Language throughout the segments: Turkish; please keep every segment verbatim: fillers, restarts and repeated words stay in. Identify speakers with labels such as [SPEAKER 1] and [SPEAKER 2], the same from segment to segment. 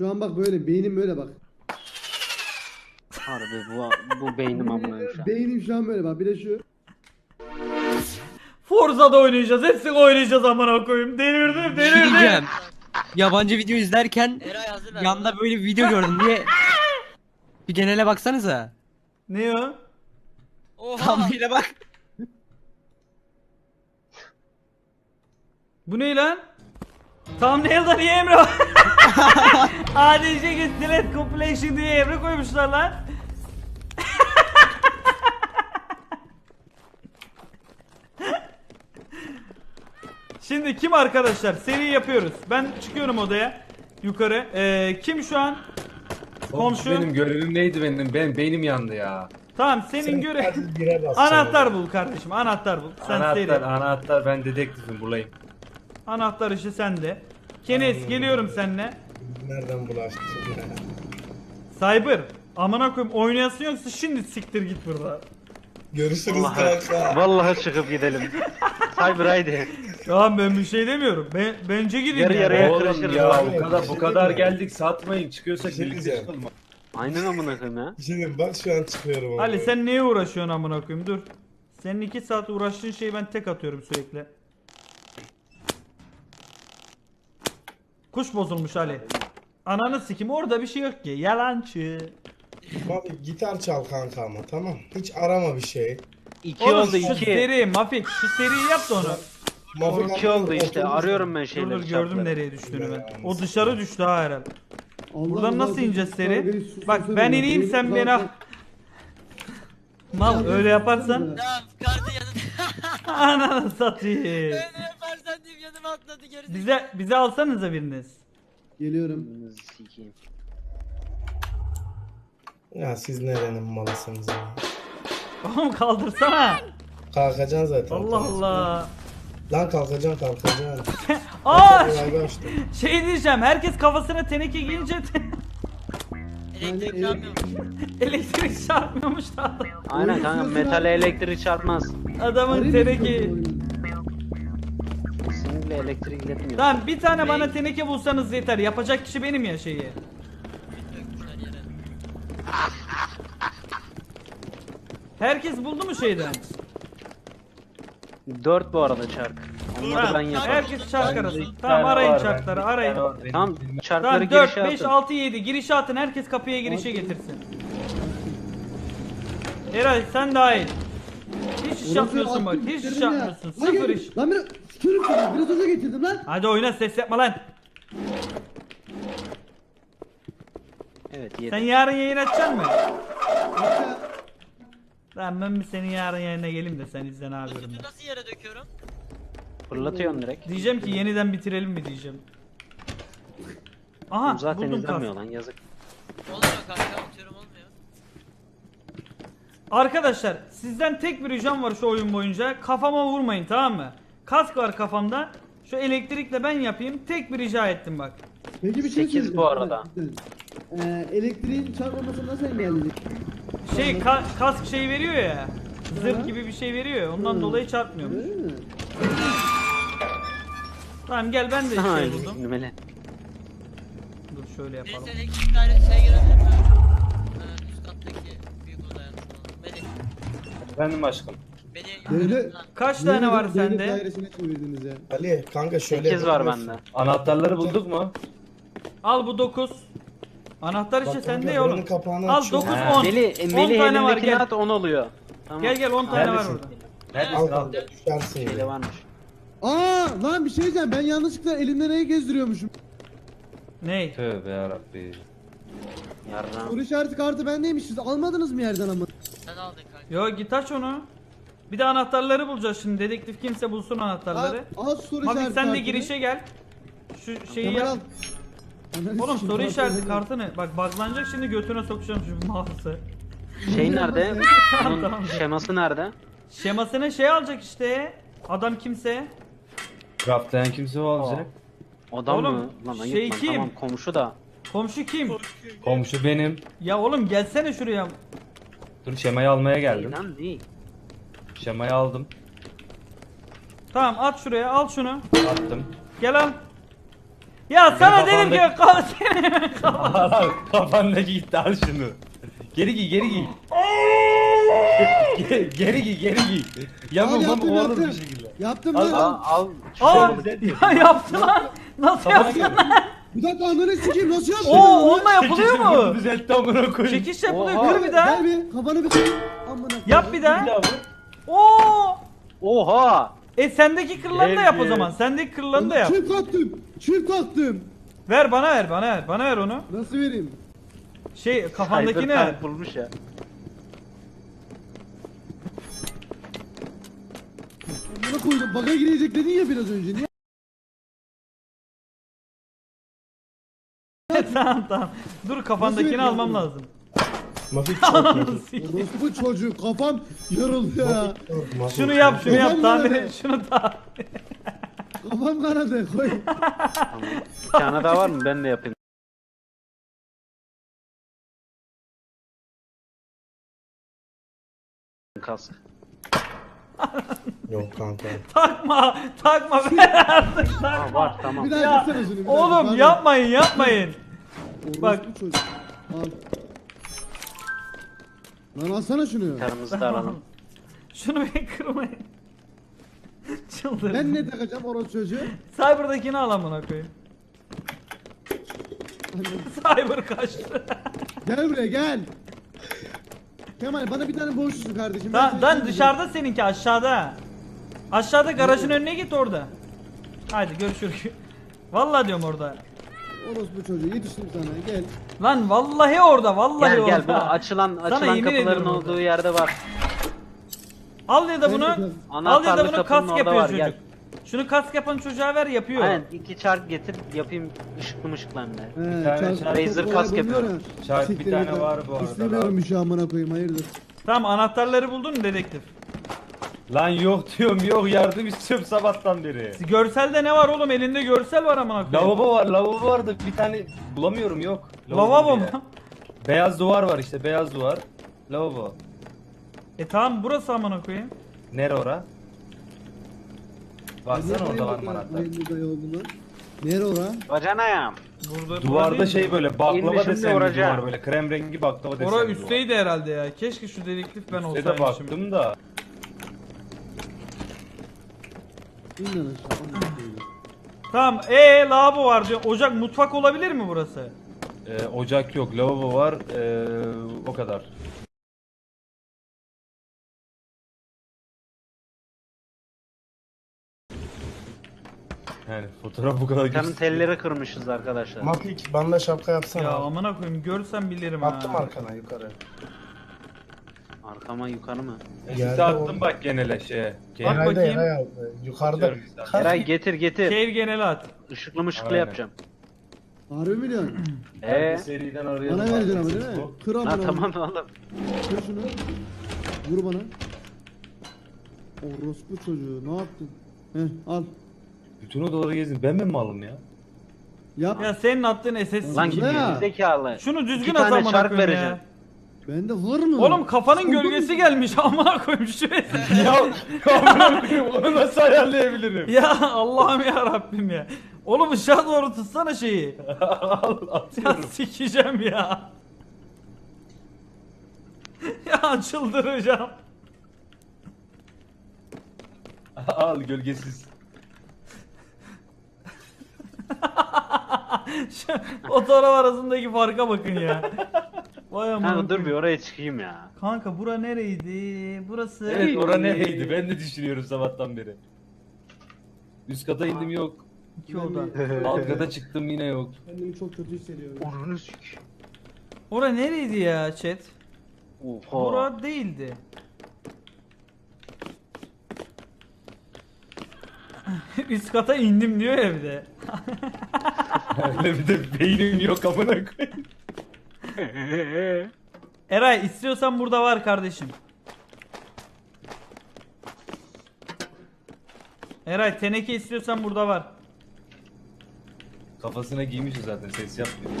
[SPEAKER 1] Şu an bak böyle beynim böyle bak.
[SPEAKER 2] Harbi bu, bu beynim amına şu an.
[SPEAKER 1] Beynim şu an böyle bak. Bir de şu.
[SPEAKER 3] Forza'da oynayacağız. Hepsini oynayacağız amına koyayım. Delirdim
[SPEAKER 4] Bir şey
[SPEAKER 3] delirdim.
[SPEAKER 4] diyeceğim. Yabancı video izlerken
[SPEAKER 5] Eray hazır ver.
[SPEAKER 4] yanda böyle bir video gördüm diye. Bir genele baksanıza.
[SPEAKER 3] Ne o?
[SPEAKER 5] Oha.
[SPEAKER 4] Tam bir bak.
[SPEAKER 3] Bu ne lan? Thumbnail'da niye Emre var? A D C Get Delete Compilation diye Emre koymuşlar lan. Şimdi kim arkadaşlar? Seri yapıyoruz. Ben çıkıyorum odaya. Yukarı. Ee, kim şu an? Komşu.
[SPEAKER 6] Benim görevim neydi benim? Ben beynim yandı ya.
[SPEAKER 3] Tamam senin göre.
[SPEAKER 7] Hadi bire basacaksın.
[SPEAKER 3] Anahtar bul kardeşim. Anahtar bul. Sen
[SPEAKER 6] anahtar,
[SPEAKER 3] seri.
[SPEAKER 6] anahtar ben dedektifim bulayım.
[SPEAKER 3] Anahtar işi sende. Kenes geliyorum seninle.
[SPEAKER 7] Nereden bulaştın ya?
[SPEAKER 3] Cyber. Amına koyayım oynayasın yoksa şimdi siktir git burada.
[SPEAKER 7] Görüşürüz
[SPEAKER 2] Vallahi,
[SPEAKER 7] kanka.
[SPEAKER 2] vallahi çıkıp gidelim. Cyber haydi.
[SPEAKER 3] Tamam ben bir şey demiyorum. Ben, bence gidin
[SPEAKER 2] Yarı
[SPEAKER 3] yani.
[SPEAKER 2] yarıya
[SPEAKER 6] Oğlum
[SPEAKER 2] kırışırız
[SPEAKER 6] ya
[SPEAKER 2] abi.
[SPEAKER 6] bu kadar
[SPEAKER 7] Bir
[SPEAKER 6] bu
[SPEAKER 7] şey
[SPEAKER 6] kadar
[SPEAKER 7] diyeyim mi?
[SPEAKER 6] geldik satmayın çıkıyorsak
[SPEAKER 7] Bir şey
[SPEAKER 6] birlikte
[SPEAKER 7] diyeceğim.
[SPEAKER 6] çıkalım.
[SPEAKER 2] Aynen amına koyayım ya.
[SPEAKER 7] Şimdi bak şu an çıkıyorum.
[SPEAKER 3] Ali
[SPEAKER 7] ama.
[SPEAKER 3] sen neye uğraşıyorsun amına koyayım dur. Senin iki saat uğraştığın şeyi ben tek atıyorum sürekli. Kuş bozulmuş Ali. Ananı sikim orada bir şey yok ki. Yalancı.
[SPEAKER 7] Abi gitar çal kanka ama tamam. Hiç arama bir şey.
[SPEAKER 2] İki
[SPEAKER 3] Oğlum
[SPEAKER 2] oldu
[SPEAKER 3] şu
[SPEAKER 2] iki.
[SPEAKER 3] seri Mafik şu seriyi yap da onu.
[SPEAKER 7] Mafik
[SPEAKER 2] İki oldu işte.
[SPEAKER 7] oturmuş.
[SPEAKER 2] Arıyorum ben
[SPEAKER 3] Dur
[SPEAKER 2] şeyleri.
[SPEAKER 3] dur gördüm
[SPEAKER 2] çarpları.
[SPEAKER 3] nereye düştüğünü ben. O dışarı düştü ha herhalde.
[SPEAKER 1] Allah
[SPEAKER 3] Buradan
[SPEAKER 1] Allah,
[SPEAKER 3] nasıl
[SPEAKER 1] sus,
[SPEAKER 3] ineceğiz
[SPEAKER 1] sus,
[SPEAKER 3] seri?
[SPEAKER 1] beni sus,
[SPEAKER 3] Bak
[SPEAKER 1] sus,
[SPEAKER 3] ben
[SPEAKER 1] sus,
[SPEAKER 3] ineyim
[SPEAKER 1] beni
[SPEAKER 3] sen
[SPEAKER 1] sus,
[SPEAKER 3] beni al.
[SPEAKER 1] sus.
[SPEAKER 3] Mal öyle yaparsan
[SPEAKER 5] Tamam kartı yanında.
[SPEAKER 3] ananı satayım.
[SPEAKER 5] Öyle yaparsan diyeyim yanıma atladı gerisi.
[SPEAKER 3] Bize bize alsanıza biriniz.
[SPEAKER 1] Geliyorum.
[SPEAKER 2] Sikeyim.
[SPEAKER 7] Ya siz nerenin malısınız ya?
[SPEAKER 3] Oğlum kaldırsana.
[SPEAKER 7] Kalkacaksın zaten.
[SPEAKER 3] Allah Allah.
[SPEAKER 7] Lan kalkacaksın kalkacaksın.
[SPEAKER 3] Aa
[SPEAKER 7] Kolay başla.
[SPEAKER 3] şey diyeceğim. Herkes kafasına teneke giyince
[SPEAKER 5] Elektrik
[SPEAKER 1] Yani-
[SPEAKER 5] yanmıyor.
[SPEAKER 3] elektrik çarpmıyormuş da adam.
[SPEAKER 2] Aynen kanka metale elektrik çarpmaz.
[SPEAKER 3] Adamın
[SPEAKER 1] Arayayım
[SPEAKER 3] teneke.
[SPEAKER 1] mı?
[SPEAKER 2] Kesinlikle elektrik iletmiyor.
[SPEAKER 3] Tamam bir tane bana teneke bulsanız yeter. Yapacak kişi benim ya şeyi.
[SPEAKER 5] Dökmüşler yere.
[SPEAKER 3] Herkes buldu mu şeyden?
[SPEAKER 2] Dört bu arada çark. Onları ben
[SPEAKER 3] Tamam,
[SPEAKER 2] yaparım.
[SPEAKER 3] herkes çark
[SPEAKER 6] Bende
[SPEAKER 3] arasın.
[SPEAKER 6] iki
[SPEAKER 3] Tamam
[SPEAKER 6] tane
[SPEAKER 3] arayın
[SPEAKER 6] var,
[SPEAKER 3] çarkları
[SPEAKER 6] bende iki
[SPEAKER 3] arayın.
[SPEAKER 6] tane var. Benim
[SPEAKER 2] Tamam
[SPEAKER 6] bilmem-
[SPEAKER 2] çarkları
[SPEAKER 3] Tamam dört,
[SPEAKER 2] girişe
[SPEAKER 3] beş,
[SPEAKER 2] atın.
[SPEAKER 3] altı, yedi girişe atın. Herkes kapıya girişe getirsin. Eray sen dahil. Hiç iş yapmıyorsun bak. Hiç iş yapmıyorsun. Sıfır iş.
[SPEAKER 1] Lan biraz sürüm sürüm. Biraz önce getirdim lan.
[SPEAKER 3] Hadi oyna ses yapma lan.
[SPEAKER 2] Evet
[SPEAKER 3] Sen
[SPEAKER 2] yedi.
[SPEAKER 3] yarın yayın açacaksın mı?
[SPEAKER 1] Hatta
[SPEAKER 3] Lan ben bir senin yarın yayına geleyim de sen izle ne
[SPEAKER 5] Bu
[SPEAKER 3] yapıyorum
[SPEAKER 5] sütü
[SPEAKER 3] ben.
[SPEAKER 5] nasıl yere döküyorum?
[SPEAKER 2] Fırlatıyorsun direkt.
[SPEAKER 3] Diyeceğim ki yeniden bitirelim mi diyeceğim. Aha
[SPEAKER 2] Zaten
[SPEAKER 3] buldum
[SPEAKER 2] izlenmiyor
[SPEAKER 3] kas.
[SPEAKER 2] lan yazık.
[SPEAKER 5] Olmuyor kanka atıyorum olmuyor.
[SPEAKER 3] Arkadaşlar sizden tek bir ricam var şu oyun boyunca. Kafama vurmayın tamam mı? Kask var kafamda. Şu elektrikle ben yapayım. Tek bir rica ettim bak.
[SPEAKER 1] peki bir şey
[SPEAKER 2] Sekiz
[SPEAKER 1] söyleyeceğim.
[SPEAKER 2] bu arada.
[SPEAKER 1] Ee, elektriğin çarpmaması nasıl engelledik?
[SPEAKER 3] Şey ka- kask şey veriyor ya. Zırh
[SPEAKER 1] Hı.
[SPEAKER 3] gibi bir şey veriyor ya. Ondan
[SPEAKER 1] Hı.
[SPEAKER 3] dolayı çarpmıyormuş.
[SPEAKER 1] Öyle mi?
[SPEAKER 3] Tamam gel ben de
[SPEAKER 2] Ha,
[SPEAKER 3] şey buldum.
[SPEAKER 2] numele.
[SPEAKER 3] Dur şöyle yapalım.
[SPEAKER 5] Neyse elektrik dairesi şey girebilir mi? Ee, üst kattaki büyük odaya. Beni,
[SPEAKER 6] Efendim aşkım.
[SPEAKER 5] beni
[SPEAKER 1] Devlet-
[SPEAKER 5] yukarı lan.
[SPEAKER 3] Kaç tane var
[SPEAKER 1] Devlet
[SPEAKER 3] sende?
[SPEAKER 1] dairesine çevirdiniz ya.
[SPEAKER 7] Ali kanka şöyle
[SPEAKER 2] Sekiz var
[SPEAKER 7] yapıyorsun.
[SPEAKER 2] bende.
[SPEAKER 6] Anahtarları bulduk mu?
[SPEAKER 3] Al bu dokuz. Anahtar işte
[SPEAKER 7] Bak
[SPEAKER 3] sende
[SPEAKER 7] kanka,
[SPEAKER 3] ya oğlum.
[SPEAKER 7] buranın kapağını
[SPEAKER 3] Al
[SPEAKER 7] açıyorum.
[SPEAKER 3] dokuz
[SPEAKER 6] Ha.
[SPEAKER 3] on.
[SPEAKER 2] Meli,
[SPEAKER 3] on
[SPEAKER 2] Meli
[SPEAKER 3] tane var
[SPEAKER 2] elindekini
[SPEAKER 3] gel.
[SPEAKER 2] at on oluyor. Tamam.
[SPEAKER 3] Gel gel on tane var
[SPEAKER 6] Neredesin?
[SPEAKER 3] burada.
[SPEAKER 6] Neredesin
[SPEAKER 7] Al
[SPEAKER 6] al?
[SPEAKER 7] kanka düşersin
[SPEAKER 2] Şeyde
[SPEAKER 7] ya.
[SPEAKER 2] varmış.
[SPEAKER 1] Aa lan bir şey diyeceğim. Ben yanlışlıkla elimde neyi gezdiriyormuşum.
[SPEAKER 3] Ney?
[SPEAKER 6] Tövbe yarabbi.
[SPEAKER 2] Yarram.
[SPEAKER 1] Soru işareti kartı bendeymiş. Siz almadınız mı yerden ama?
[SPEAKER 5] Sen aldın kanka.
[SPEAKER 3] Yo git aç onu. Bir de anahtarları bulacağız şimdi. Dedektif kimse bulsun anahtarları.
[SPEAKER 1] Al, al soru
[SPEAKER 3] Mafik
[SPEAKER 1] işareti
[SPEAKER 3] sen de
[SPEAKER 1] kartını.
[SPEAKER 3] girişe gel. Şu şeyi
[SPEAKER 1] Kemal al.
[SPEAKER 3] yap.
[SPEAKER 1] Ananı
[SPEAKER 3] Oğlum
[SPEAKER 1] sikeyim,
[SPEAKER 3] soru
[SPEAKER 1] al,
[SPEAKER 3] işareti
[SPEAKER 1] al.
[SPEAKER 3] kartını. Bak buglanacak şimdi götüne sokacağım şu mouse'ı.
[SPEAKER 2] Şey nerede?
[SPEAKER 3] Tamam,
[SPEAKER 2] Bunun
[SPEAKER 3] tamam.
[SPEAKER 2] şeması nerede?
[SPEAKER 3] Şemasını şey alacak işte. Adam kimse.
[SPEAKER 6] Craftlayan kimse o alacak.
[SPEAKER 2] Adam
[SPEAKER 3] Oğlum,
[SPEAKER 2] mı? Lan ayıp
[SPEAKER 3] şey
[SPEAKER 2] lan.
[SPEAKER 3] kim?
[SPEAKER 2] Tamam komşu da.
[SPEAKER 3] Komşu kim?
[SPEAKER 6] Komşu benim.
[SPEAKER 3] Ya oğlum gelsene şuraya.
[SPEAKER 6] Dur şemayı almaya geldim.
[SPEAKER 2] İnan değil.
[SPEAKER 6] Şemayı aldım.
[SPEAKER 3] Tamam at şuraya al şunu.
[SPEAKER 6] Attım.
[SPEAKER 3] Gel al. Ya sana dedim ki
[SPEAKER 6] kafamdaki-
[SPEAKER 3] kafa senin kafa.
[SPEAKER 6] Al kafandaki gitti al şunu. Geri giy geri giy. Ge- geri giy geri giy.
[SPEAKER 1] Al
[SPEAKER 6] Yamuk
[SPEAKER 1] yaptım
[SPEAKER 6] olur bir
[SPEAKER 1] yaptım.
[SPEAKER 6] şekilde.
[SPEAKER 1] Yaptım
[SPEAKER 6] Al,
[SPEAKER 1] lan.
[SPEAKER 2] Al al.
[SPEAKER 3] Aa
[SPEAKER 6] Güzel
[SPEAKER 3] ya yaptı lan. Nasıl yaptın lan?
[SPEAKER 1] Bir dakika ananı sikeyim nasıl yaptın?
[SPEAKER 3] Oo onunla yapılıyor
[SPEAKER 6] Çekişim bunu
[SPEAKER 3] mu?
[SPEAKER 6] düzeltti amına koyayım.
[SPEAKER 3] Çekiş yapılıyor.
[SPEAKER 2] Oha.
[SPEAKER 3] Kır bir daha.
[SPEAKER 1] Gel bir kafanı bir kır. Amına koyayım.
[SPEAKER 3] Yap bir
[SPEAKER 6] Bir
[SPEAKER 3] daha.
[SPEAKER 6] daha vur.
[SPEAKER 3] Oo.
[SPEAKER 2] Oha.
[SPEAKER 3] E sendeki kırılanı da yap o
[SPEAKER 6] Gel,
[SPEAKER 3] zaman.
[SPEAKER 6] gel.
[SPEAKER 3] Sendeki kırılanı da yap.
[SPEAKER 1] Çift kalktım. Çift kalktım.
[SPEAKER 3] Ver bana ver bana ver. Bana ver onu.
[SPEAKER 1] Nasıl vereyim?
[SPEAKER 3] Şey kafandaki ne?
[SPEAKER 2] Cyberpunk bulmuş ya.
[SPEAKER 1] Amına koydum. Baga girecek dedin ya biraz önce. Niye?
[SPEAKER 3] Tamam tamam. Dur kafandakini
[SPEAKER 1] Nasıl
[SPEAKER 3] almam
[SPEAKER 1] yapıyorsun?
[SPEAKER 3] lazım.
[SPEAKER 7] Mafik çok mafik.
[SPEAKER 1] Orospu çocuğu kafam yarıldı ya.
[SPEAKER 7] Çok, mafik.
[SPEAKER 3] Şunu yap şunu yap
[SPEAKER 1] Kafam
[SPEAKER 3] tamir
[SPEAKER 1] nerede?
[SPEAKER 3] et şunu da.
[SPEAKER 1] Kafam kanadı. Koy.
[SPEAKER 2] Tamam. Bir tane daha var mı? Ben de yapayım. Kask.
[SPEAKER 7] Yok kanka.
[SPEAKER 3] Takma takma ver artık
[SPEAKER 2] Aa,
[SPEAKER 3] takma.
[SPEAKER 2] var tamam.
[SPEAKER 1] Bir daha
[SPEAKER 3] Ya,
[SPEAKER 1] yapsana şunu. bir daha.
[SPEAKER 3] Oğlum
[SPEAKER 1] Pardon.
[SPEAKER 3] yapmayın yapmayın.
[SPEAKER 1] Orospu
[SPEAKER 3] bak.
[SPEAKER 1] çocuğu. Al. Lan alsana şunu.
[SPEAKER 2] Karımızı da alalım.
[SPEAKER 3] Şunu bir kırmayın. Çıldırdım.
[SPEAKER 1] Ben ne takacağım orospu çocuğu?
[SPEAKER 3] Cyber'dakini al amına koyayım. Cyber kaçtı.
[SPEAKER 1] Gel buraya gel. Kemal bana bir tane borçlusun kardeşim. Ben
[SPEAKER 3] Lan,
[SPEAKER 1] seni
[SPEAKER 3] lan
[SPEAKER 1] sevdim.
[SPEAKER 3] dışarıda seninki aşağıda. Aşağıda garajın önüne git orada. Haydi görüşürüz. Vallahi diyorum orada.
[SPEAKER 1] Orospu çocuğu yetiştim sana gel.
[SPEAKER 3] Lan vallahi orada vallahi
[SPEAKER 2] Gel
[SPEAKER 3] orada.
[SPEAKER 2] gel bu açılan
[SPEAKER 3] Sana
[SPEAKER 2] açılan
[SPEAKER 3] yemin
[SPEAKER 2] kapıların
[SPEAKER 3] ediyorum
[SPEAKER 2] olduğu
[SPEAKER 3] orada.
[SPEAKER 2] yerde var.
[SPEAKER 3] Al ya da bunu.
[SPEAKER 1] Nerede?
[SPEAKER 3] Al ya da
[SPEAKER 2] Anahtarlı
[SPEAKER 3] bunu
[SPEAKER 2] kapının
[SPEAKER 3] kask
[SPEAKER 2] orada
[SPEAKER 3] yapıyor
[SPEAKER 2] var,
[SPEAKER 3] çocuk.
[SPEAKER 2] gel.
[SPEAKER 3] Şunu kask yapan çocuğa ver yapıyor.
[SPEAKER 2] Aynen iki çark getir yapayım ışıklı mışıklı hem de.
[SPEAKER 1] He,
[SPEAKER 6] tane
[SPEAKER 1] çarp-
[SPEAKER 6] çarp-
[SPEAKER 2] Razer
[SPEAKER 1] olay
[SPEAKER 2] kask
[SPEAKER 1] buluyor
[SPEAKER 2] yapıyorum.
[SPEAKER 1] ya.
[SPEAKER 6] Çarp bir
[SPEAKER 1] Siktir
[SPEAKER 6] tane
[SPEAKER 1] git
[SPEAKER 6] var
[SPEAKER 1] lan.
[SPEAKER 6] bu arada
[SPEAKER 1] İstemiyorum
[SPEAKER 6] lan.
[SPEAKER 1] bir şey amına koyayım hayırdır.
[SPEAKER 3] Tamam anahtarları buldun mu dedektif?
[SPEAKER 6] Lan yok diyorum yok yardım istiyorum sabahtan beri.
[SPEAKER 3] Görselde ne var oğlum elinde görsel var amına koyayım.
[SPEAKER 6] Lavabo var lavabo var da bir tane bulamıyorum yok.
[SPEAKER 3] Lavabo
[SPEAKER 6] diye.
[SPEAKER 3] mu?
[SPEAKER 6] Beyaz duvar var işte beyaz duvar. Lavabo.
[SPEAKER 3] E tamam burası amına koyayım.
[SPEAKER 6] Nere ora? Baksana orada var mı anahtar?
[SPEAKER 1] Hayırlı dayı oldum lan. Nere ora?
[SPEAKER 2] Bacanayım.
[SPEAKER 3] Burada
[SPEAKER 6] Duvarda
[SPEAKER 3] değil
[SPEAKER 6] şey
[SPEAKER 3] mi?
[SPEAKER 6] böyle baklava
[SPEAKER 2] İnmişim de
[SPEAKER 6] desenli
[SPEAKER 2] oracağım.
[SPEAKER 6] duvar böyle krem rengi baklava desenli
[SPEAKER 3] Ora
[SPEAKER 6] duvar.
[SPEAKER 3] üstteydi herhalde ya. Keşke şu dedektif ben
[SPEAKER 6] Üste
[SPEAKER 3] olsaymışım.
[SPEAKER 6] de baktım da.
[SPEAKER 1] İn lan aşağı. amına koyayım.
[SPEAKER 3] Tamam ee lavabo var diyor. Ocak mutfak olabilir mi burası?
[SPEAKER 6] Ee, ocak yok lavabo var ee, o kadar. Yani fotoğraf bu kadar
[SPEAKER 2] Kanın
[SPEAKER 6] güzel.
[SPEAKER 2] telleri kırmışız arkadaşlar.
[SPEAKER 7] Mafik bana da şapka yapsana.
[SPEAKER 3] Ya amına koyayım görsem bilirim
[SPEAKER 7] Attım
[SPEAKER 3] ha.
[SPEAKER 7] arkana yukarı.
[SPEAKER 2] Arkama yukarı mı?
[SPEAKER 6] Sesi
[SPEAKER 7] Yerde
[SPEAKER 6] attım
[SPEAKER 7] oldu.
[SPEAKER 6] bak genele şeye.
[SPEAKER 3] Bak
[SPEAKER 7] Eray'da
[SPEAKER 3] bakayım.
[SPEAKER 7] Eray aldı. Yukarıda.
[SPEAKER 6] Atıyorum bir tane.
[SPEAKER 7] Kalk.
[SPEAKER 2] Eray getir getir.
[SPEAKER 3] Şehir geneli at.
[SPEAKER 2] Işıklı mışıklı
[SPEAKER 6] Aynen.
[SPEAKER 2] yapacağım.
[SPEAKER 1] Harbi mi diyorsun?
[SPEAKER 2] Eee?
[SPEAKER 6] Seriden arayalım.
[SPEAKER 1] Bana vereceksin ama değil mi?
[SPEAKER 6] Bu.
[SPEAKER 1] Kır amına
[SPEAKER 2] Ha
[SPEAKER 1] koyayım.
[SPEAKER 2] tamam oğlum.
[SPEAKER 1] Kır şunu. Vur bana. Orospu çocuğu ne yaptın? Heh al.
[SPEAKER 6] Bütün odaları gezdim. Ben mi malım ya?
[SPEAKER 1] Yap.
[SPEAKER 3] Ya senin attığın S S
[SPEAKER 2] Lan
[SPEAKER 1] Ne
[SPEAKER 2] gibi
[SPEAKER 1] ya?
[SPEAKER 2] zekalı.
[SPEAKER 3] Şunu düzgün
[SPEAKER 2] İki
[SPEAKER 3] at
[SPEAKER 2] tane
[SPEAKER 3] amına
[SPEAKER 2] çark
[SPEAKER 3] koyayım
[SPEAKER 2] vereceğim.
[SPEAKER 3] ya.
[SPEAKER 1] Bende var mı?
[SPEAKER 3] Oğlum kafanın
[SPEAKER 1] Sıkıntı
[SPEAKER 3] gölgesi
[SPEAKER 1] mı?
[SPEAKER 3] gelmiş amına koyayım şuraya.
[SPEAKER 6] ya amına koyayım, onu nasıl ayarlayabilirim?
[SPEAKER 3] Ya Allah'ım ya Rabbim ya. Oğlum ışığa doğru tutsana şeyi.
[SPEAKER 6] Al
[SPEAKER 3] Ya
[SPEAKER 6] atıyorum.
[SPEAKER 3] sikeceğim ya. Ya çıldıracağım.
[SPEAKER 6] Al gölgesiz.
[SPEAKER 3] Şu fotoğraf arasındaki farka bakın ya. Vay amına
[SPEAKER 2] Kanka dur bir
[SPEAKER 3] koyayım.
[SPEAKER 2] oraya çıkayım ya.
[SPEAKER 3] Kanka bura nereydi? Burası.
[SPEAKER 6] Evet ora nereydi? Ben de düşünüyorum sabahtan beri. Üst kata indim yok.
[SPEAKER 3] İki oda.
[SPEAKER 6] Alt kata çıktım yine yok.
[SPEAKER 1] Kendimi çok kötü hissediyorum.
[SPEAKER 2] Onu sük.
[SPEAKER 3] Ora nereydi ya chat?
[SPEAKER 2] Oha.
[SPEAKER 3] Bura değildi. Üst kata indim diyor ya bir de.
[SPEAKER 6] Öyle bir de beynim yok amına koyayım.
[SPEAKER 3] Eray istiyorsan burada var kardeşim. Eray teneke istiyorsan burada var.
[SPEAKER 6] Kafasına giymişiz zaten ses yapmıyor.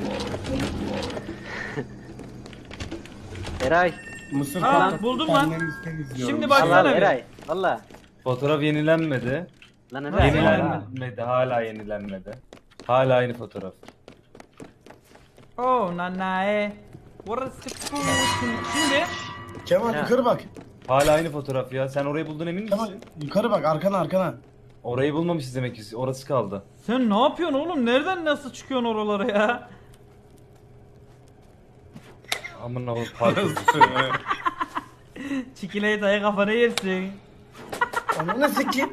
[SPEAKER 2] Eray.
[SPEAKER 7] Mısır
[SPEAKER 3] Ha,
[SPEAKER 7] patlatıp
[SPEAKER 3] buldum lan.
[SPEAKER 7] kendimizi temizliyoruz.
[SPEAKER 3] Şimdi
[SPEAKER 2] Al
[SPEAKER 3] baksana
[SPEAKER 2] al
[SPEAKER 3] bir.
[SPEAKER 2] Eray. Valla.
[SPEAKER 6] Fotoğraf yenilenmedi.
[SPEAKER 2] Lan Eray.
[SPEAKER 3] Yenilen-
[SPEAKER 2] valla.
[SPEAKER 6] Yenilenmedi hala yenilenmedi. Hala aynı fotoğraf.
[SPEAKER 3] Oh nanae. Orası Putin. Şimdi
[SPEAKER 7] Kemal
[SPEAKER 2] Ya.
[SPEAKER 7] yukarı bak.
[SPEAKER 6] Hala aynı fotoğraf ya. Sen orayı buldun emin
[SPEAKER 7] Kemal
[SPEAKER 6] misin?
[SPEAKER 7] yukarı bak arkana arkana.
[SPEAKER 6] Orayı bulmamışız demek ki. Orası kaldı.
[SPEAKER 3] sen ne yapıyorsun oğlum? Nereden nasıl çıkıyorsun oralara ya?
[SPEAKER 6] Amına koyayım parkur.
[SPEAKER 3] Çikolatayı kafana yersin.
[SPEAKER 7] Ananı sikeyim.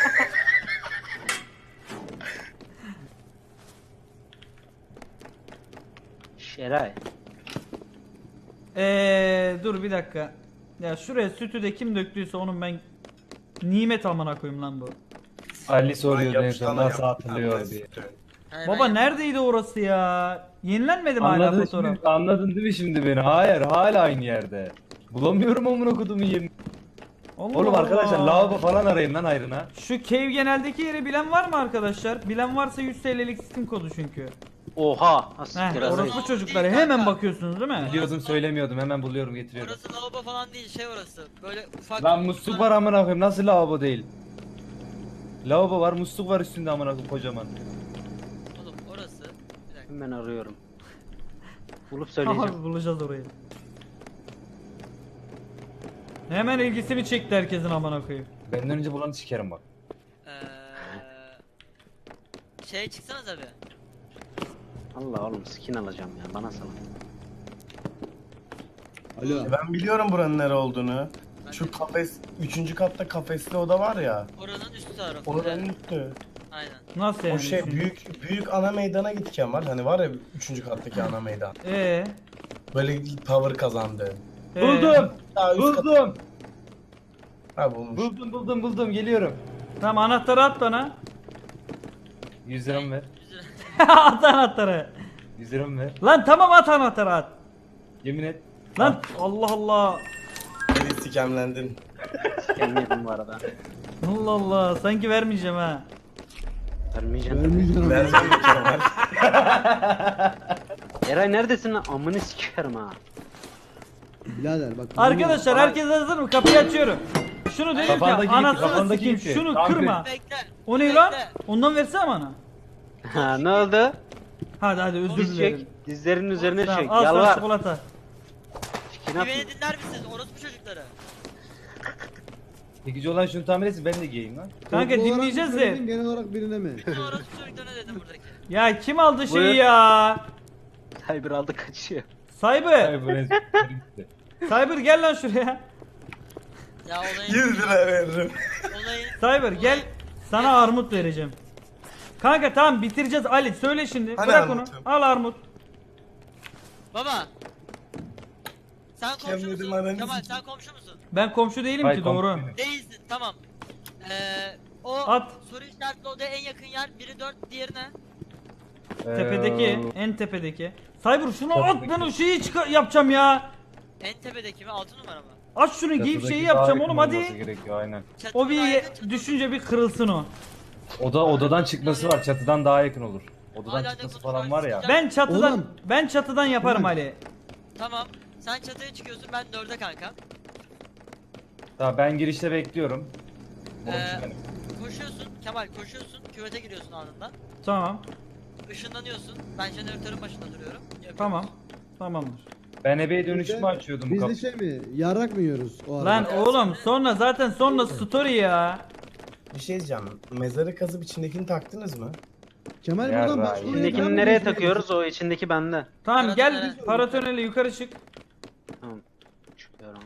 [SPEAKER 2] Şeray.
[SPEAKER 3] Eee dur bir dakika. Ya şuraya sütü de kim döktüyse onun ben nimet amına koyayım lan bu.
[SPEAKER 6] Ali soruyordu en
[SPEAKER 7] Yapıştana
[SPEAKER 6] son nasıl
[SPEAKER 7] yap-
[SPEAKER 6] hatırlıyor
[SPEAKER 7] Ananı
[SPEAKER 6] diye.
[SPEAKER 7] sikeyim.
[SPEAKER 5] Hani
[SPEAKER 3] Baba
[SPEAKER 5] ben-
[SPEAKER 3] neredeydi orası ya? Yenilenmedi mi hala
[SPEAKER 6] Anladın,
[SPEAKER 3] fotoğraf?
[SPEAKER 6] şimdi, anladın değil mi şimdi beni? Hayır hala aynı yerde. Bulamıyorum amına kodumun yerini.
[SPEAKER 3] Allah
[SPEAKER 6] Oğlum arkadaşlar
[SPEAKER 3] Allah.
[SPEAKER 6] lavabo falan arayın lan ayrına.
[SPEAKER 3] Şu cave geneldeki yeri bilen var mı arkadaşlar? Bilen varsa yüz T L'lik Steam kodu çünkü.
[SPEAKER 2] Oha.
[SPEAKER 3] Heh,
[SPEAKER 2] Asiktir
[SPEAKER 5] orası-
[SPEAKER 3] orospu
[SPEAKER 5] Değil
[SPEAKER 3] çocukları
[SPEAKER 5] kanka.
[SPEAKER 3] hemen bakıyorsunuz değil mi?
[SPEAKER 6] Biliyordum söylemiyordum hemen buluyorum getiriyorum.
[SPEAKER 5] Orası lavabo falan değil, şey orası. Böyle ufak.
[SPEAKER 6] Lan musluk var amına koyayım nasıl lavabo değil? Lavabo var musluk var üstünde amına koyayım kocaman.
[SPEAKER 5] Oğlum orası. Bir dakika.
[SPEAKER 2] Hemen arıyorum. Bulup söyleyeceğim.
[SPEAKER 3] Abi bulacağız orayı. Hemen ilgisini çekti herkesin amına koyayım.
[SPEAKER 6] Benden önce bulanı sikerim bak.
[SPEAKER 5] Eee Şeye çıksanız abi.
[SPEAKER 2] Allah oğlum skin alacağım ya bana salın.
[SPEAKER 1] Alo.
[SPEAKER 7] Ben biliyorum buranın nere olduğunu.
[SPEAKER 5] Ben
[SPEAKER 7] Şu
[SPEAKER 5] de-
[SPEAKER 7] kafes, üçüncü katta kafesli oda var ya.
[SPEAKER 5] Oranın üst tarafı.
[SPEAKER 7] Oranın
[SPEAKER 5] Evet,
[SPEAKER 7] üstü.
[SPEAKER 5] aynen.
[SPEAKER 3] Nasıl yani?
[SPEAKER 7] O şey
[SPEAKER 3] şimdi?
[SPEAKER 7] büyük büyük ana meydana git Kemal. Hani var ya üçüncü kattaki ana meydan.
[SPEAKER 3] Ee,
[SPEAKER 7] Böyle power kazandı.
[SPEAKER 3] ee,
[SPEAKER 6] Buldum!
[SPEAKER 7] Daha üst kat.
[SPEAKER 6] Buldum!
[SPEAKER 7] Ha bulmuş.
[SPEAKER 6] Buldum buldum buldum geliyorum.
[SPEAKER 3] Tamam anahtarı at bana.
[SPEAKER 6] yüz liramı ver.
[SPEAKER 3] At anahtarı.
[SPEAKER 6] yüz liramı ver.
[SPEAKER 3] Lan tamam at anahtarı at.
[SPEAKER 6] Yemin et.
[SPEAKER 3] Lan Allah Allah.
[SPEAKER 7] Beni sikemlendin.
[SPEAKER 2] Gelmedim bu arada.
[SPEAKER 3] Allah Allah sanki vermeyeceğim ha.
[SPEAKER 2] Vermeyeceğim.
[SPEAKER 1] Vermeyeceğim.
[SPEAKER 7] Versen mi Kemal?
[SPEAKER 2] Eray neredesin lan? Amını sikerim ha.
[SPEAKER 1] Birader bak.
[SPEAKER 3] Arkadaşlar herkes hazır mı? Kapıyı açıyorum. Şunu dedim
[SPEAKER 6] Kafandaki
[SPEAKER 3] ki
[SPEAKER 6] ipi,
[SPEAKER 3] anasını
[SPEAKER 6] kafandaki
[SPEAKER 3] sikeyim
[SPEAKER 6] ipi.
[SPEAKER 3] şunu
[SPEAKER 6] Tamam,
[SPEAKER 3] kırma.
[SPEAKER 5] Bekle.
[SPEAKER 3] O ne
[SPEAKER 5] bekle.
[SPEAKER 3] lan? Ondan versene bana.
[SPEAKER 2] Ha ne oldu?
[SPEAKER 3] Hadi hadi özür
[SPEAKER 2] Diz
[SPEAKER 3] dilerim.
[SPEAKER 2] çek. Dizlerinin üzerine
[SPEAKER 3] Tamam
[SPEAKER 2] çek.
[SPEAKER 3] al sana
[SPEAKER 2] Yalvar.
[SPEAKER 3] çikolata.
[SPEAKER 2] Çikin
[SPEAKER 5] Bir
[SPEAKER 2] at.
[SPEAKER 5] beni dinler misiniz? Orospu çocukları.
[SPEAKER 6] Çekici olan şunu tamir etsin ben de giyeyim lan.
[SPEAKER 3] Kanka
[SPEAKER 1] Toplu olarak
[SPEAKER 3] dinleyeceğiz
[SPEAKER 1] mı
[SPEAKER 3] de.
[SPEAKER 1] söyledin, genel olarak birine mi?
[SPEAKER 5] Bütün orospu çocuklarına dedim buradaki.
[SPEAKER 3] Ya kim aldı şeyi
[SPEAKER 2] Buyur.
[SPEAKER 3] ya?
[SPEAKER 2] Cyber aldı kaçıyor.
[SPEAKER 3] Cyber.
[SPEAKER 6] Hayır bu resim.
[SPEAKER 3] Cyber gel lan şuraya.
[SPEAKER 5] Ya olayın...
[SPEAKER 7] yüz lira veririm.
[SPEAKER 5] Olayın...
[SPEAKER 3] Cyber gel. Sana armut vereceğim. Kanka tamam bitireceğiz Ali söyle şimdi.
[SPEAKER 7] Hani
[SPEAKER 3] Bırak onu.
[SPEAKER 7] armutum?
[SPEAKER 3] Al armut.
[SPEAKER 5] Baba. Sen komşu
[SPEAKER 7] Kemal'im
[SPEAKER 5] musun?
[SPEAKER 7] ananı
[SPEAKER 5] Kemal
[SPEAKER 7] sikeyim.
[SPEAKER 5] sen komşu musun?
[SPEAKER 3] Ben komşu değilim
[SPEAKER 6] Hayır,
[SPEAKER 3] ki doğru.
[SPEAKER 6] komşu benim.
[SPEAKER 5] Değilsin tamam. Ee, o
[SPEAKER 3] At.
[SPEAKER 5] soru işaretli odaya en yakın yer biri dört diğerine.
[SPEAKER 3] Tepedeki,
[SPEAKER 6] Ee,
[SPEAKER 3] en tepedeki. Cyber şunu at
[SPEAKER 6] Tepedeki.
[SPEAKER 3] ben o şeyi çıkar yapacağım ya.
[SPEAKER 5] En tepedeki mi? Altı numara mı?
[SPEAKER 3] Aç şunu giyip
[SPEAKER 6] çatıdaki
[SPEAKER 3] şeyi
[SPEAKER 6] daha
[SPEAKER 3] yapacağım
[SPEAKER 6] yakın
[SPEAKER 3] oğlum
[SPEAKER 6] olması
[SPEAKER 3] hadi.
[SPEAKER 6] gerekiyor aynen.
[SPEAKER 5] Çatı
[SPEAKER 3] O bir
[SPEAKER 5] daire, çatı-
[SPEAKER 3] düşünce bir kırılsın o.
[SPEAKER 6] Oda odadan çıkması var. Çatıdan daha yakın olur. Odadan
[SPEAKER 5] Hala
[SPEAKER 6] çıkması
[SPEAKER 5] ne
[SPEAKER 6] falan var ya.
[SPEAKER 3] Ben çatıdan
[SPEAKER 1] Oğlum.
[SPEAKER 3] ben çatıdan yaparım
[SPEAKER 1] Oğlum.
[SPEAKER 3] Ali.
[SPEAKER 5] Tamam. Sen çatıya çıkıyorsun ben dörde kanka.
[SPEAKER 6] Tamam ben girişte bekliyorum.
[SPEAKER 5] Ee,
[SPEAKER 6] Komşu benim.
[SPEAKER 5] Koşuyorsun Kemal koşuyorsun küvete giriyorsun anında.
[SPEAKER 3] Tamam.
[SPEAKER 5] Işınlanıyorsun. Ben jeneratörün başında duruyorum. Yapıyorum.
[SPEAKER 3] Tamam. Tamamdır.
[SPEAKER 6] Ben ebeye dönüşümü açıyordum bu
[SPEAKER 1] Biz de
[SPEAKER 6] kapı.
[SPEAKER 1] şey mi? Yarrak mı yiyoruz o arada?
[SPEAKER 3] Lan oğlum sonra zaten sonra story ya.
[SPEAKER 7] Bir şey diyeceğim. Mezarı kazıp içindekini taktınız mı?
[SPEAKER 1] Kemal
[SPEAKER 6] Ya
[SPEAKER 1] buradan
[SPEAKER 6] Ray,
[SPEAKER 1] başka oraya
[SPEAKER 2] İçindekini
[SPEAKER 1] devam
[SPEAKER 2] nereye
[SPEAKER 1] ediyorsun.
[SPEAKER 2] takıyoruz? O içindeki bende.
[SPEAKER 3] Tamam gel
[SPEAKER 5] Paratonele.
[SPEAKER 3] paratonele yukarı çık.
[SPEAKER 2] Tamam. Çıkıyorum.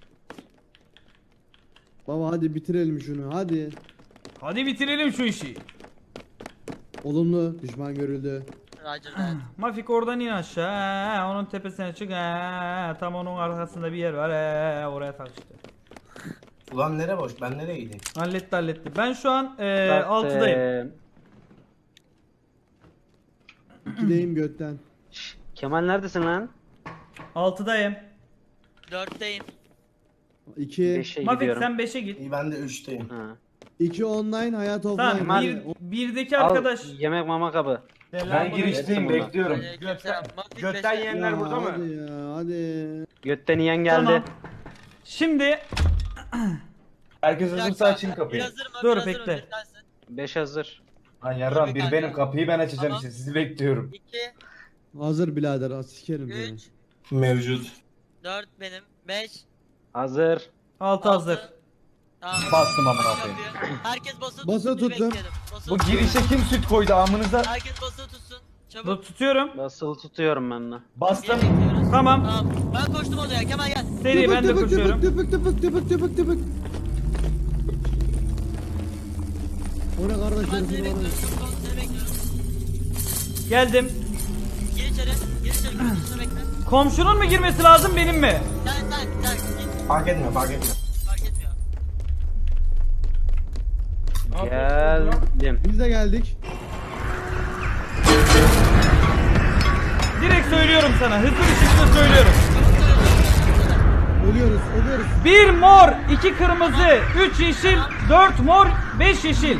[SPEAKER 1] Baba hadi bitirelim şunu hadi.
[SPEAKER 3] Hadi bitirelim şu işi.
[SPEAKER 1] Olumlu düşman görüldü.
[SPEAKER 5] Roger that.
[SPEAKER 3] Mafik oradan in aşağı. he, Onun tepesine çık. he, Tam onun arkasında bir yer var. he, Oraya tak işte.
[SPEAKER 7] Ulan nere boş? Ben nereye gideyim?
[SPEAKER 3] Halletti halletti. Ben şu an e,
[SPEAKER 2] Bak,
[SPEAKER 3] altıdayım.
[SPEAKER 2] eee,
[SPEAKER 1] İkideyim götten.
[SPEAKER 2] şş, Kemal neredesin lan?
[SPEAKER 3] altıdayım.
[SPEAKER 5] Dörtteyim.
[SPEAKER 1] İki.
[SPEAKER 2] beşe
[SPEAKER 3] Mafik
[SPEAKER 2] gidiyorum.
[SPEAKER 3] sen beşe git.
[SPEAKER 7] İyi ben de üçteyim.
[SPEAKER 2] Ha.
[SPEAKER 1] İki online hayat offline.
[SPEAKER 3] Tamam
[SPEAKER 1] Hadi.
[SPEAKER 3] bir, birdeki
[SPEAKER 2] Al,
[SPEAKER 3] arkadaş.
[SPEAKER 2] yemek mama kabı.
[SPEAKER 6] Ben girişteyim
[SPEAKER 2] Bunlar.
[SPEAKER 6] bekliyorum.
[SPEAKER 5] Aleykümselam. Mafik
[SPEAKER 6] götten
[SPEAKER 5] beşe.
[SPEAKER 6] yiyenler
[SPEAKER 1] Ya,
[SPEAKER 6] burada mı?
[SPEAKER 1] hadi ya hadi.
[SPEAKER 2] Götten yiyen geldi.
[SPEAKER 3] Tamam. Şimdi
[SPEAKER 6] Herkes
[SPEAKER 5] Bir
[SPEAKER 6] hazırsa
[SPEAKER 5] dakika,
[SPEAKER 6] açın
[SPEAKER 5] bir
[SPEAKER 6] kapıyı.
[SPEAKER 5] hazır mı?
[SPEAKER 3] Dur,
[SPEAKER 5] Bir hazır mı?
[SPEAKER 3] bekle.
[SPEAKER 5] Bir tanesi.
[SPEAKER 2] beş hazır.
[SPEAKER 6] Lan yarram bir
[SPEAKER 5] Kanka.
[SPEAKER 6] benim kapıyı ben açacağım
[SPEAKER 5] Tamam.
[SPEAKER 6] işte sizi bekliyorum.
[SPEAKER 5] iki,
[SPEAKER 1] Hazır birader. az Sikerim seni.
[SPEAKER 5] üç,
[SPEAKER 7] Mevcut.
[SPEAKER 5] dört benim, beş,
[SPEAKER 2] Hazır.
[SPEAKER 3] Altı hazır.
[SPEAKER 5] Tamam.
[SPEAKER 6] Bastım amına
[SPEAKER 5] Aç
[SPEAKER 6] koyayım.
[SPEAKER 5] kapıyı. Herkes basılı
[SPEAKER 1] Basılı
[SPEAKER 5] tutsun.
[SPEAKER 1] tuttum.
[SPEAKER 5] bekleyelim. Basılı
[SPEAKER 6] Bu
[SPEAKER 5] tutsun.
[SPEAKER 6] girişe kim süt koydu amınıza?
[SPEAKER 5] Herkes basılı tutsun. Çabuk.
[SPEAKER 3] Dur tutuyorum.
[SPEAKER 2] Basılı tutuyorum ben de.
[SPEAKER 6] Bastım.
[SPEAKER 5] Niye bekliyoruz?
[SPEAKER 3] Tamam.
[SPEAKER 5] Tamam. Ben koştum odaya. Kemal gel.
[SPEAKER 3] Seri ben de
[SPEAKER 1] Tıpık
[SPEAKER 3] koşuyorum.
[SPEAKER 1] tıpık tıpık tıpık tıpık tıpık tıpık. O ne kardeş
[SPEAKER 5] Ben
[SPEAKER 1] herifin
[SPEAKER 5] seni
[SPEAKER 1] var
[SPEAKER 5] bekliyorum.
[SPEAKER 1] ya.
[SPEAKER 5] Çabuk ol, seni bekliyorum.
[SPEAKER 3] Geldim.
[SPEAKER 5] Gir içeri. Gir içeri. Gir içeri bekle.
[SPEAKER 3] Komşunun mu girmesi lazım benim mi?
[SPEAKER 5] Sen sen sen git.
[SPEAKER 7] Fark etmiyor fark etmiyor.
[SPEAKER 5] Fark etmiyor.
[SPEAKER 2] Geldim.
[SPEAKER 1] Biz de geldik.
[SPEAKER 3] Direkt söylüyorum sana. Hızlı bir şekilde söylüyorum.
[SPEAKER 1] Ölüyoruz ölüyoruz.
[SPEAKER 3] Bir mor, iki kırmızı, üç yeşil, dört mor, beş yeşil.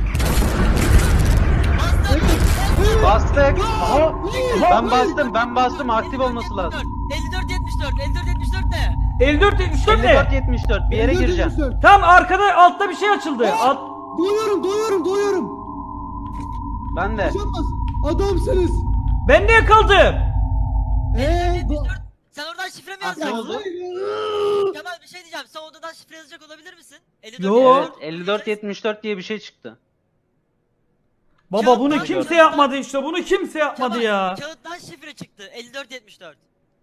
[SPEAKER 2] Bastık. Aha. Ben bastım ben bastım aktif olması lazım.
[SPEAKER 5] elli dört yetmiş dört. elli dört yetmiş dört ne?
[SPEAKER 3] elli dört yetmiş dört
[SPEAKER 2] elli dört
[SPEAKER 3] ne?
[SPEAKER 2] yetmiş dört bir yere gireceğim.
[SPEAKER 3] Tam arkada altta bir şey açıldı. Alt...
[SPEAKER 1] Doyuyorum doyuyorum doyuyorum.
[SPEAKER 2] Ben de.
[SPEAKER 1] Yaşanmaz. Adamsınız.
[SPEAKER 3] Ben niye kaldım?
[SPEAKER 1] Eee.
[SPEAKER 5] yetmiş dört. Sen oradan şifre mi
[SPEAKER 2] Aktif
[SPEAKER 5] yazacaksın?
[SPEAKER 2] oldu.
[SPEAKER 5] Kemal bir şey diyeceğim. Sen odadan şifre yazacak olabilir misin? elli dört
[SPEAKER 3] Yo.
[SPEAKER 2] Evet elli dört yetmiş dört diye bir şey çıktı.
[SPEAKER 3] Baba bunu
[SPEAKER 5] Kağıttan-
[SPEAKER 3] kimse yapmadı işte. Bunu kimse yapmadı
[SPEAKER 5] Kemal,
[SPEAKER 3] ya.
[SPEAKER 5] Kağıttan şifre çıktı. elli dört yetmiş dört.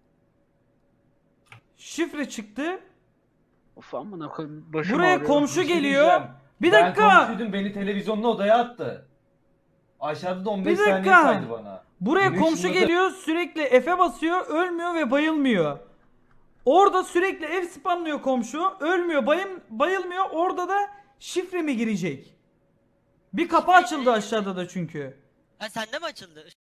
[SPEAKER 3] Şifre çıktı.
[SPEAKER 2] Of amına koyayım başım
[SPEAKER 3] Buraya
[SPEAKER 2] ağrıyor.
[SPEAKER 3] komşu
[SPEAKER 6] Bir şey
[SPEAKER 3] geliyor.
[SPEAKER 6] diyeceğim.
[SPEAKER 3] Bir
[SPEAKER 6] Ben
[SPEAKER 3] dakika.
[SPEAKER 6] komşuydum beni televizyonlu odaya attı. Aşağıda da on beş
[SPEAKER 3] Bir
[SPEAKER 6] saniye
[SPEAKER 3] dakika.
[SPEAKER 6] saydı bana.
[SPEAKER 3] Buraya
[SPEAKER 6] Benim
[SPEAKER 3] komşu
[SPEAKER 6] şurada da-
[SPEAKER 3] geliyor, sürekli F'e basıyor, ölmüyor ve bayılmıyor. Orada sürekli F spamlıyor komşu, ölmüyor, bayım, bayılmıyor. Orada da şifre mi girecek? Bir kapı açıldı aşağıda da çünkü.
[SPEAKER 5] Ha sende mi açıldı?